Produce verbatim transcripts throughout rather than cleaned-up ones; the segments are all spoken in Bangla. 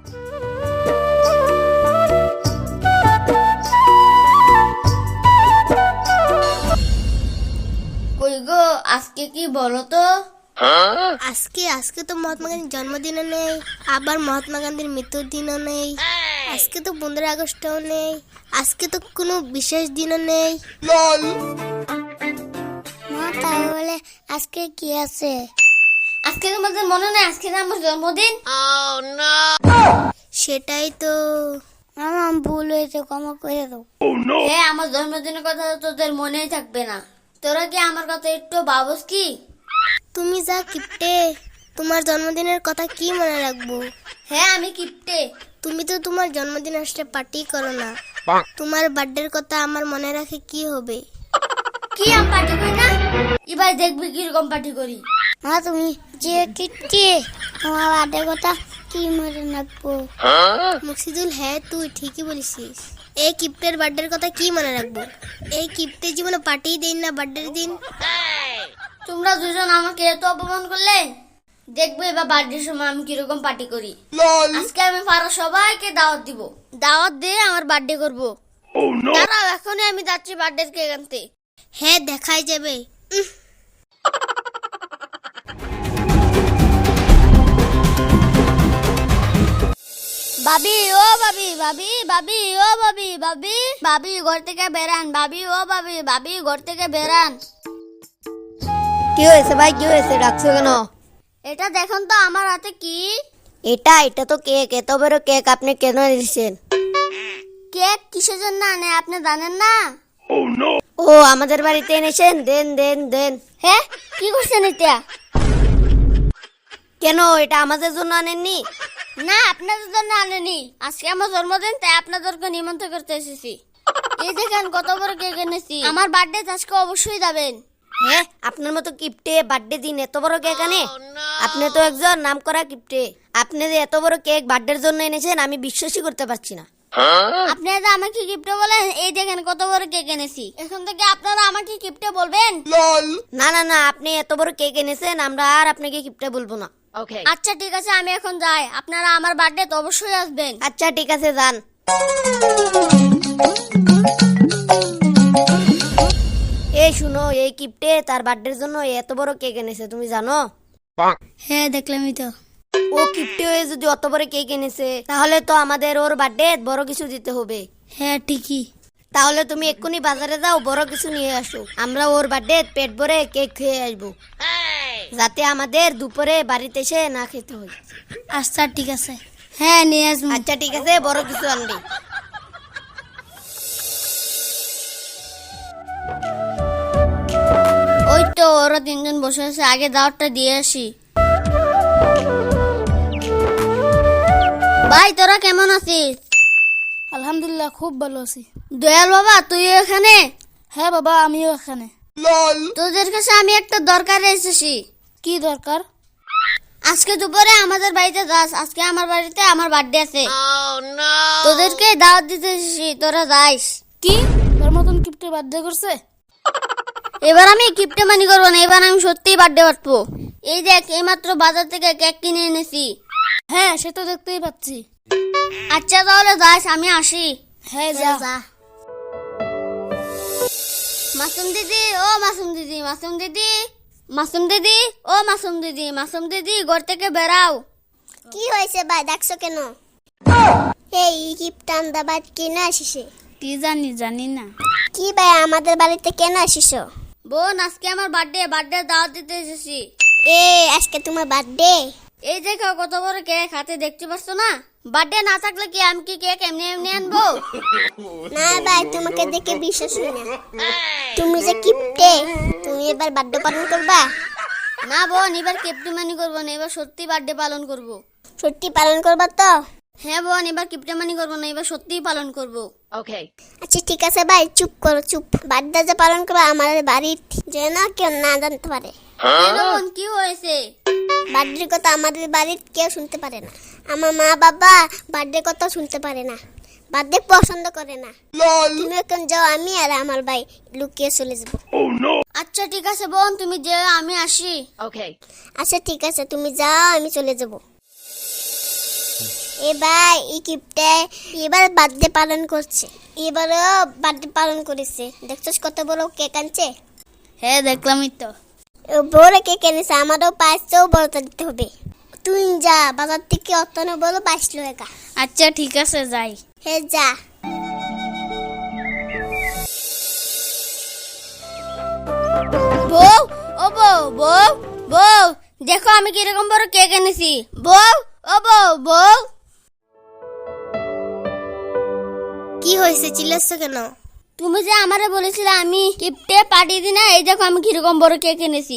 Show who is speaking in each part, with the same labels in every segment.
Speaker 1: কই গো, আজকে কি বলো তো?
Speaker 2: আজকে আজকে তো মহাত্মা গান্ধীর জন্মদিনও নেই, আবার মহাত্মা গান্ধীর মৃত্যুর দিনও নেই, আজকে তো পনেরোই আগস্টও নেই, আজকে তো কোনো বিশেষ দিনও নেই। মা তাহলে আজকে কি আছে?
Speaker 1: আজকে তোমাদের মনে নেই আজকে না আমার জন্মদিন?
Speaker 2: সেটাই তো মামা, ভুল হয়েছে, ক্ষমা করে দাও।
Speaker 1: হ্যাঁ, আমার জন্মদিনের কথা তো তোদের মনেই থাকবে না। তোরা কি আমার কথা একটু ভাবস কি?
Speaker 2: তুমি যা কিপটে, তোমার জন্মদিনের কথা কি মনে রাখবো?
Speaker 1: হ্যাঁ, আমি কিপটে।
Speaker 2: তুমি তো তোমার জন্মদিন আসলে পার্টি করো না, তোমার বার্থডের কথা আমার মনে রাখে কি হবে?
Speaker 1: কি আমি পার্টি করি না? এবার দেখবি কিরকম পার্টি করি।
Speaker 2: মা তুমি যে কিপটে, তোমার বার্থডের কথা কি মনে রাখবো? মুর্শিদুল, হ্যাঁ তুই ঠিকই বলেছিস। এই কিপ্টের বার্থডের কথা কি মনে রাখবো? এই কিপ্টে জীবনে পার্টি দেন না বার্থডের দিন।
Speaker 1: তোমরা দুজন আমাকে এত অপমান করলে, দেখবে এবার বার্থডের সময় আমি কিরকম পার্টি করি। আজকে আমি পাড়া সবাইকে দাওয়াত দিব, দাওয়াত দিয়ে আমার বার্থডে করবো। দাঁড়াও, এখনই আমি যাচ্ছি বার্থডে কেক আনতে।
Speaker 2: হ্যাঁ, দেখাই যাবে। উহ,
Speaker 1: ভাবি ও ভাবি, ভাবি ভাবি ও ভাবি, ভাবি ভাবি ঘর থেকে বেরান, ভাবি ও ভাবি, ভাবি ঘর থেকে বেরান।
Speaker 3: কি হয়েছে ভাই, কি হয়েছে, ডাকছো কেন?
Speaker 1: এটা দেখুন তো আমার হাতে কি।
Speaker 3: এটা এটা তো কেক, এত বড় কেক আপনি কেন এনেছেন?
Speaker 1: কেক কিসের জন্য আনে আপনি জানেন না?
Speaker 3: ও আমাদের বাড়িতে এনেছেন, দেন দেন দেন।
Speaker 1: হ্যাঁ, কি করছেন এটা?
Speaker 3: কেন, এটা আমাদের জন্য আনেননি?
Speaker 1: না, আপনাদের জন্য আনেনি। আজকে আমার জন্মদিন, তাই আপনাদেরকে নিমন্ত্রণ করতে এসেছি। এই দেখেন কত বড় কেক এনেছি। আমার বার্থডে আজকে অবশ্যই যাবেন।
Speaker 3: হ্যাঁ, আপনার মতো কিপটে বার্থডে দিন এত বড় কেক আনে? আপনি তো একজন নামকরা কিপটে। আপনি যে এত বড় কেক বার্থডের জন্য এনেছেন আমি বিশ্বাসই করতে পারছি না।
Speaker 1: আপনারা আমাকে গিফটে বলেন, এই দেখেন কত বড় কেক এনেছি। এখন থেকে আপনারা আমাকে গিফটে বলবেন।
Speaker 3: না না না, আপনি এত বড় কেক এনেছেন, আমরা আর আপনাকে কিপটে বলবো না।
Speaker 1: আচ্ছা ঠিক আছে, আমি এখন যাই। আপনারা আমার বার্থডে তো অবশ্যই আসবেন।
Speaker 3: আচ্ছা ঠিক আছে, যান। এই শুনো, এই কিপটে তার বার্থডের জন্য এত বড় কেক এনেছে, তুমি জানো?
Speaker 2: হ্যাঁ দেখলামই তো।
Speaker 3: ও কিপটে হয়ে যদি অত বড় কেক এনেছে, তাহলে তো আমাদের ওর বার্থডে বড় কিছু দিতে হবে।
Speaker 2: হ্যাঁ ঠিকই।
Speaker 3: তাহলে তুমি এক্ষুনি বাজারে যাও, বড় কিছু নিয়ে আসো। আমরা ওর বার্থডে পেট ভরে কেক খেয়ে আসবো, যাতে আমাদের দুপুরে বাড়িতে এসে না খেতে হয়।
Speaker 2: আচ্ছা ঠিক আছে, হ্যাঁ নিয়ে আসবো।
Speaker 3: আচ্ছা ঠিক আছে, বড় কিছু আনবি।
Speaker 1: ওই তো ওরা তিনজন বসে আছে, আগে দাওয়াতটা দিয়ে আসি। ভাই তোরা কেমন আছিস?
Speaker 2: আলহামদুলিল্লাহ, খুব ভালো আছি।
Speaker 1: দয়াল বাবা তুই এখানে?
Speaker 2: হ্যাঁ বাবা, আমিও এখানে।
Speaker 1: তোদের কাছে আমি একটা দরকারে এসেছি।
Speaker 2: কি দরকার?
Speaker 1: আজকে দুপুরে আমাদের বাড়িতে যাস। আজকে আমার বাড়িতে আমার বার্থডে আছে। তোদেরকে দাওয়াত দিতে এসেছি, তোরা যাইস।
Speaker 2: কি তোর মতন কিপটে বার্থডে করছে?
Speaker 1: এবার আমি কিপটে মানি করবো না, এবার আমি সত্যিই বার্থডে পারবো। এই দেখ, এইমাত্র বাজার থেকে কেক কিনে এনেছি।
Speaker 2: হ্যাঁ সে তো দেখতেই পাচ্ছি।
Speaker 1: আচ্ছা তাহলে যাস, আমি আসি।
Speaker 2: হ্যাঁ যা।
Speaker 1: মাসুম দিদি ও মাসুম দিদি, মাসুম দিদি, মাসুম দিদি ও মাসুম দিদি, মাসুম দিদি ঘর থেকে বেরাও।
Speaker 2: কি হয়েছে ভাই, ডাকছো কেন? এই কিপটান দাবাত কেন আসিছে?
Speaker 1: কি জানি জানি না।
Speaker 2: কি ভাই আমাদের বাড়িতে কেন আসিছো?
Speaker 1: বোন আজকে আমার বার্থডে, বার্থডে দাওয়াত দিতে এসেছি।
Speaker 2: এ আজকে তোমার বার্থডে?
Speaker 1: এই দেখো কত বড় কেক হাতে, দেখতে পাচ্ছ না? বার্থডে না থাকলে কি আমি কি কেক এমনি এমনি আনবো?
Speaker 2: না ভাই, তোমাকে দেখে বিশ্বাস হয় না। তুমি যে কিপটে, তুমি এবার বার্থডে পালন করবা?
Speaker 1: না বোন, এবার কিপটে মানি করবো না, এবার সত্যি বার্থডে পালন করব।
Speaker 2: সত্যি পালন করবা তো?
Speaker 1: হ্যাঁ বোন, এবার কিপটে মানি করবো না, এবার সত্যিই পালন করব।
Speaker 2: আচ্ছা ঠিক আছে ভাই, চুপ করো চুপ। বার্থডে যে পালন করবা আমাদের বাড়ির যেন কেউ না জানতে পারে।
Speaker 1: কেন বোন, কি হয়েছে?
Speaker 2: বার্থডের কথা আমাদের বাড়ির কেউ শুনতে পারে না। আমার মা বাবা বার্থডের কথা শুনতে পারে না, বার্থডে পছন্দ করে না। তুমি এখন যাও, আমি আর আমার ভাই লুকিয়ে চলে যাবো।
Speaker 1: আচ্ছা ঠিক আছে বোন, তুমি যে আমি আসি।
Speaker 2: আচ্ছা ঠিক আছে, তুমি যাও, আমি চলে যাব। এবার এই কিপটে এবার বার্থডে পালন করছে, এবারও বার্থডে পালন করেছে। দেখছস কত বড় কেক আনছে?
Speaker 1: হ্যাঁ দেখলামই তো।
Speaker 2: ও বড় কেক এনেছে, আমারও পাঁচটাও বড়টা দিতে হবে। তুই যা বাজার থেকে অতন বড় পাঁচলো একা।
Speaker 1: আচ্ছা ঠিক আছে যাই।
Speaker 2: হে যা।
Speaker 1: বউ, ও বউ, বউ, বউ, দেখো আমি কিরকম বড় কেক এনেছি। বউ, ও বউ, বউ।
Speaker 2: কি হয়েছে, চিল্লাচ্ছ কেন?
Speaker 1: তুমি যে আমারে বলেছিলে আমি গিফটে পাঠিয়ে দি না, এই দেখো আমি কিরকম বড় কেক এনেছি।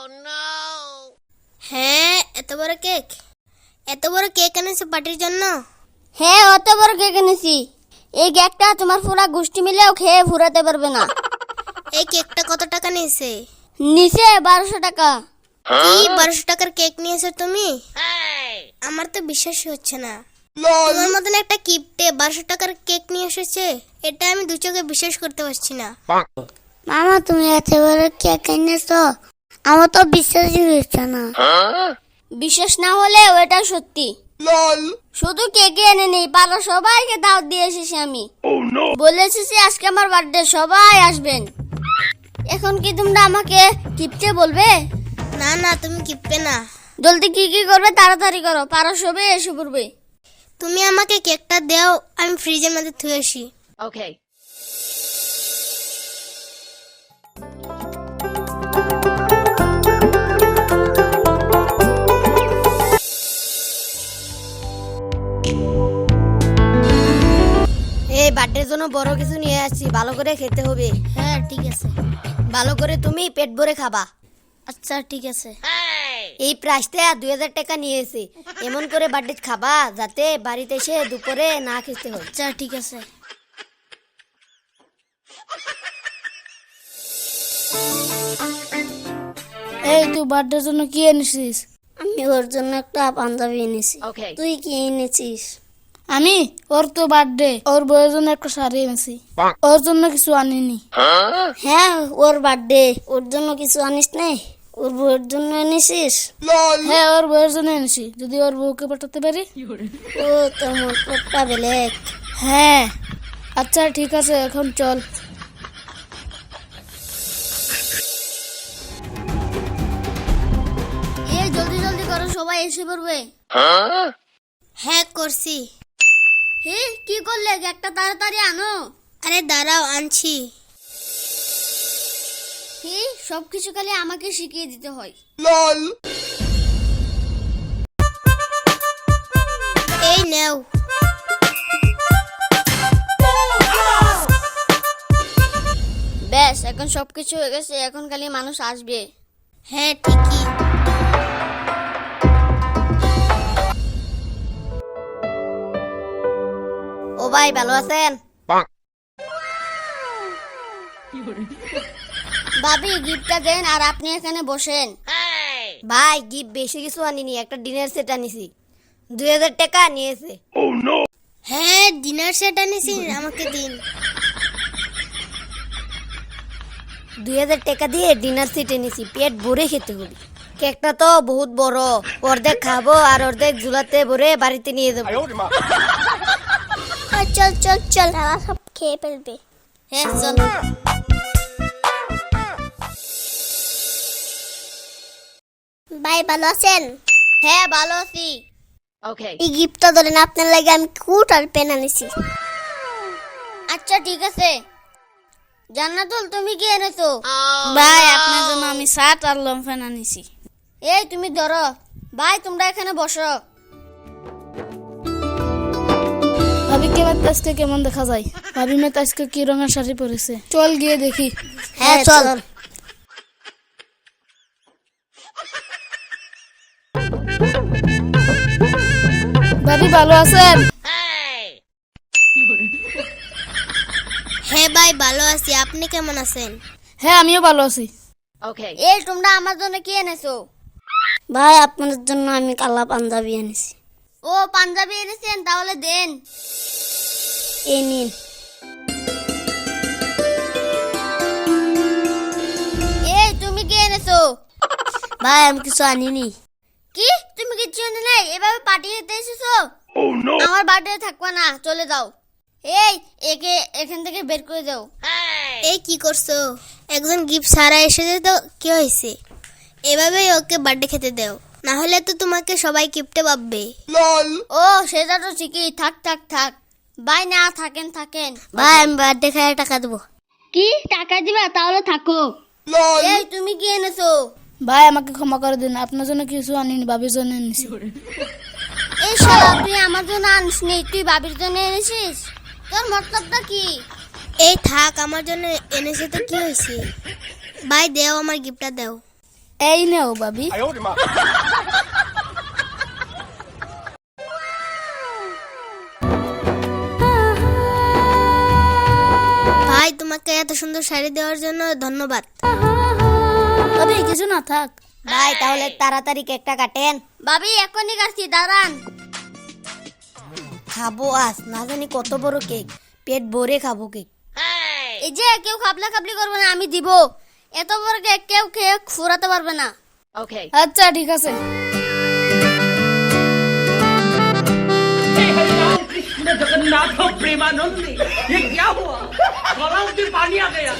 Speaker 2: হ্যাঁ, এত বড় কেক, এত বড় কেক এনেছে পার্টির জন্য?
Speaker 1: হ্যাঁ অত বড় কেক এনেছি, এই কেকটা তোমার পুরা গোষ্ঠী মিলেও খেয়ে ফুরাতে পারবে না।
Speaker 2: এই কেকটা কত টাকা নিয়েছে?
Speaker 1: নিচে বারোশো টাকা।
Speaker 2: কি বারোশো টাকার কেক নিয়েছো তুমি? আমার তো বিশ্বাসই হচ্ছে না। তোমার মতন একটা কিপটে বারোশো টাকার কেক নিয়ে এসেছে, এটা আমি দু চোখে বিশ্বাস করতে পারছি না। মামা তুমি এত বড় কেক এনেছো, আমার তো বিশ্বাসই হচ্ছে না।
Speaker 1: বিশ্বাস না হলে ওটা সত্যি। শুধু কেকে এনে নেই, পাড়া সবাইকে দাওয়াত দিয়ে এসেছি আমি। বলে এসেছি আজকে আমার বার্থডে, সবাই আসবেন। এখন কি তোমরা আমাকে কিপটে বলবে?
Speaker 2: না না, তুমি কিপটে না।
Speaker 1: জলদি কি কি করবে তাড়াতাড়ি করো, পাড়া সবাই এসে পড়বে।
Speaker 2: তুমি আমাকে কেকটা দাও, আমি ফ্রিজের মধ্যে থুয়ে আসি।
Speaker 3: ওকে। এই বার্থডের জন্য বড় কিছু নিয়ে আসছি, ভালো করে খেতে হবে।
Speaker 1: হ্যাঁ ঠিক আছে।
Speaker 3: ভালো করে তুমি পেট ভরে খাবা।
Speaker 1: আচ্ছা ঠিক আছে।
Speaker 3: এই প্রাইসটা দুই হাজার টাকা নিয়েছে, এমন করে বার্থডে খাবা যাতে বাড়িতে এসে দুপুরে না খেতে হয়।
Speaker 1: আচ্ছা ঠিক আছে। এই তুই বার্থডের জন্য কি এনেছিস?
Speaker 2: আমি ওর জন্য একটা পাঞ্জাবি এনেছি।
Speaker 3: ওকে।
Speaker 2: তুই কি এনেছিস?
Speaker 1: আমি ওর তো বার্থডে, ওর বউয়ের জন্য একটা শাড়ি এনেছি, ওর জন্য কিছু আনিনি।
Speaker 2: হ্যাঁ, ওর বার্থডে, ওর জন্য কিছু আনিস নাই? ওর বউয়ের জন্য এনেছিস?
Speaker 1: হ্যাঁ ওর বউয়ের জন্য এনেছি, যদি ওর বউকে পাঠাতে পারি।
Speaker 2: ও তোর মতলবটা বেলেগ।
Speaker 1: হ্যাঁ আচ্ছা ঠিক আছে, এখন চল। এই জলদি জলদি করো, সবাই এসে পড়বে।
Speaker 2: হ্যাঁ করছি।
Speaker 1: হে কি করলে, একটা তাড়াতাড়ি আনো।
Speaker 2: আরে দাঁড়াও, আনছি।
Speaker 1: হে সবকিছু খালি আমাকে শিখিয়ে দিতে হয়।
Speaker 2: এই নাও।
Speaker 1: ব্যাস এখন সবকিছু হয়ে গেছে, এখন খালি মানুষ আসবে।
Speaker 2: হ্যাঁ ঠিকই।
Speaker 3: ও ভাই ভালো আছেন?
Speaker 1: ভাবি গিফটটা দেন আর আপনি এখানে বসেন।
Speaker 3: ভাই গিফট বেশি কিছু আনিনি, একটা ডিনার সেট আনিছি, দুই হাজার টাকা নিয়েছে।
Speaker 2: হ্যাঁ ডিনার সেট আনিছি, আমাকে দিন।
Speaker 3: দুই হাজার টাকা দিয়ে ডিনার সেট এনেছি, পেট ভরে খেতে হবে। কেকটা তো বহুত বড়, অর্ধেক খাবো আর অর্ধেক ঝুলাতে ভরে বাড়িতে নিয়ে যাবো।
Speaker 2: আর চল চল চল, তারা সব খেয়ে ফেলবে।
Speaker 1: হ্যাঁ চল।
Speaker 2: ভাই ভালো আছেন?
Speaker 1: হ্যাঁ ভালো আছি।
Speaker 3: ওকে।
Speaker 2: এই গিফটটা ধরেন, আপনার লাগে আমি কুট আর পেন আনিছি।
Speaker 1: আচ্ছা ঠিক আছে। জান্নাতুল তুমি কি এনেছো?
Speaker 4: ভাই আপনার জন্য আমি শার্ট আর লম্ফেন আনিছি।
Speaker 1: এই তুমি ধরো। ভাই তোমরা এখানে বসো।
Speaker 4: ভাবি কে বাদ আজকে কেমন দেখা যায়? ভাবি মেয়ে তো আজকে কি রঙের শাড়ি পরেছে, চল গিয়ে দেখি।
Speaker 2: হ্যাঁ চল।
Speaker 4: ভাবি ভালো আছেন?
Speaker 2: হ্যাঁ ভাই ভালো আছি, আপনি কেমন আছেন?
Speaker 4: হ্যাঁ আমিও ভালো আছি।
Speaker 3: ওকে।
Speaker 1: এই তোমরা আমার জন্য কি এনেছো?
Speaker 2: ভাই আপনার জন্য আমি কালা পাঞ্জাবি এনেছি।
Speaker 1: ও পাঞ্জাবি এনেছেন, তাহলে দেন।
Speaker 2: এই নিন।
Speaker 1: এই তুমি কি এনেছো?
Speaker 2: ভাই আমি কিছু আনিনি।
Speaker 1: কি তুমি কিছু এনে নাই? এই এভাবে পার্টি দিতে এসেছো? আমার বার্থডে থাকবা না, চলে যাও। এই একে এখান থেকে বের করে দাও।
Speaker 2: এই কি করছো? একজন গিফট সারা এসেছে তো কি হয়েছে? এভাবেই ওকে বার্থডে খেতে দাও, না হলে তো তোমাকে সবাই গিফটে পাবে।
Speaker 1: ও সেটা তো ঠিকই, থাক থাক থাক ভাই, না থাকেন থাকেন।
Speaker 2: ভাই আমি বার্থডে খাওয়ার টাকা দেবো।
Speaker 1: কি টাকা দিবা? তাহলে থাকো। এই তুমি কি এনেছো?
Speaker 4: ভাই আমাকে ক্ষমা করে দিন, আপনার জন্য কিছু আনিনি, বাবির জন্য এনেছি।
Speaker 1: এই শালা, তুই আমার জন্য আনিস নি, তুই বাবির জন্য এনেছিস? তোর মতলবটা কি?
Speaker 2: এই থাক, আমার জন্য এনেছে তো কি হয়েছে? ভাই দেও, আমার গিফটটা দাও।
Speaker 4: এই নেও বাবি।
Speaker 2: ভাই তোমাকে এত সুন্দর শাড়ি দেওয়ার জন্য ধন্যবাদ।
Speaker 4: বাবি কিছু না থাক।
Speaker 3: ভাই তাহলে তাড়াতাড়ি কেকটা কাটেন।
Speaker 1: বাবি এখনই কাটছি, দাঁড়ান।
Speaker 3: খাবো আজ না জানি কত বড় কেক, পেট ভরে খাবো কেক।
Speaker 1: এই যে কেউ খাবলা খাবলি করবে না, আমি দিব। এত বড় কেক কেউ খেয়ে ফুরাতে পারবে না।
Speaker 4: আচ্ছা ঠিক আছে।
Speaker 5: हे हरिराम कृष्ण जगन्नाथ प्रेमानंद, ये क्या हुआ? गलाव में पानी आ गया।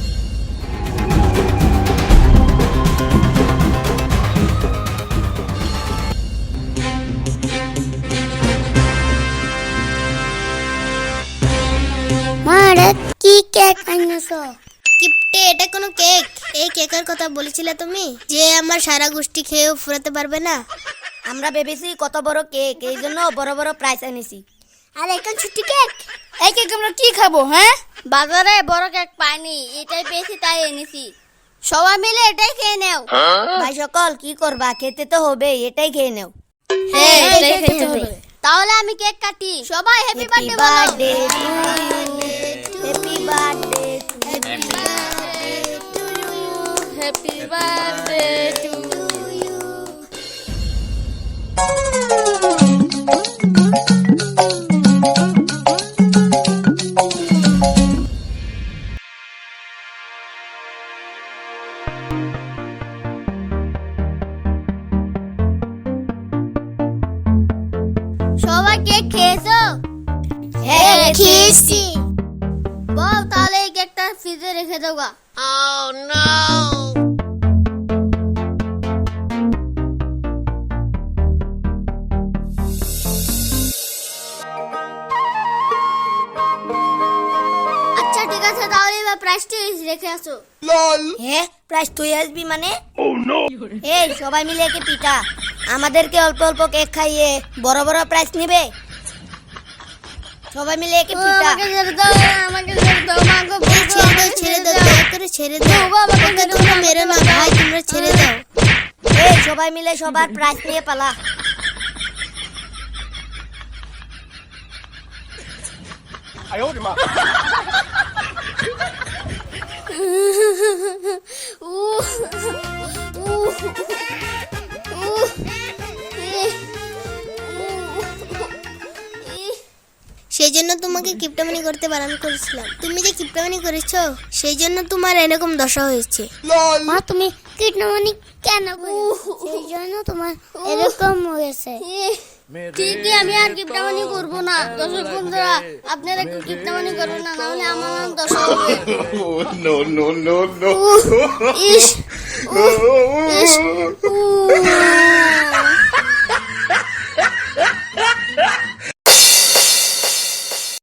Speaker 2: মা এটা কি কেক আনছো? কিপটে, এটা কোনো কেক? এই কেকের কথা বলেছিলে তুমি, যে আমার সারা গোষ্ঠী খেয়েও ফুরাতে পারবে না।
Speaker 3: আমরা ভেবেছি কত বড় কেক, এই জন্য বড় বড় প্রাইস এনেছি।
Speaker 2: আর এখন ছুটি কেক।
Speaker 4: এই কেক আমরা কি খাবো? হ্যাঁ
Speaker 1: বাজারে বড় কেক পাইনি, এটাই পেয়েছি তাই এনেছি। সবাই মিলে এটাই খেয়ে নেও।
Speaker 3: ভাই সকল কি করবা, খেতে তো হবে, এটাই খেয়ে নেও।
Speaker 4: হ্যাঁ
Speaker 1: এই,
Speaker 4: এটাই
Speaker 1: এই,
Speaker 4: খেতে
Speaker 1: এই,
Speaker 4: হবে।
Speaker 1: তাহলে আমি কেক কাটি। সবাই হ্যাপি
Speaker 3: হ্যাপি
Speaker 1: বার্থডে বলো।
Speaker 3: Birthday happy birthday
Speaker 4: happy birthday to you.
Speaker 1: সবাই কেক খেয়েছো?
Speaker 3: হ্যাঁ
Speaker 2: খেয়েছি।
Speaker 1: বল তাহলে এই কেকটা ফ্রিজে রেখে দাও গা। আচ্ছা ঠিক আছে, তাহলে এবার প্রাইসটি রেখে আসো।
Speaker 3: হ্যাঁ প্রাইস তুই আসবি মানে? এই সবাই মিলে একে পিটা, আমাদেরকে অল্প অল্প কেক খাইয়ে বড় বড় প্রাইস নিবে। সবাই মিলে একে
Speaker 1: ও,
Speaker 3: পিটা।
Speaker 1: আমাকে ছেড়ে দাও, আমাকে ছেড়ে দাও, মা গো,
Speaker 2: এই ছেড়ে দাও, ছেড়ে দাও, দয়া করে ছেড়ে দাও।
Speaker 1: ও, বাবা,
Speaker 2: ওকে তোমরা মেরো না ভাই, তোমরা ছেড়ে দাও।
Speaker 3: এই সবাই মিলে সবার প্রাইস নিয়ে পালা।
Speaker 1: উহ, উহ, উহ, ইহ, ইহ।
Speaker 2: সেই জন্য তোমাকে কিপটামানি করতে বারণ করেছিলাম। তুমি যে কিপটামানি করেছো, সেই জন্য তোমার এরকম দশা হয়েছে। মা তুমি কিপটামানি কেন করেছো? সেই জন্য তোমার এরকম হয়েছে।
Speaker 1: ইহ, ঠিকই, আমি আর কিপটামানি করবো না। দর্শক বন্ধুরা, আপনারা একটু কিপটামানি করবেন না, নাহলে আমার নাম দশা হবে।
Speaker 6: Oh, no, no, no, no.
Speaker 1: ইস, উহ, ইস, উহ।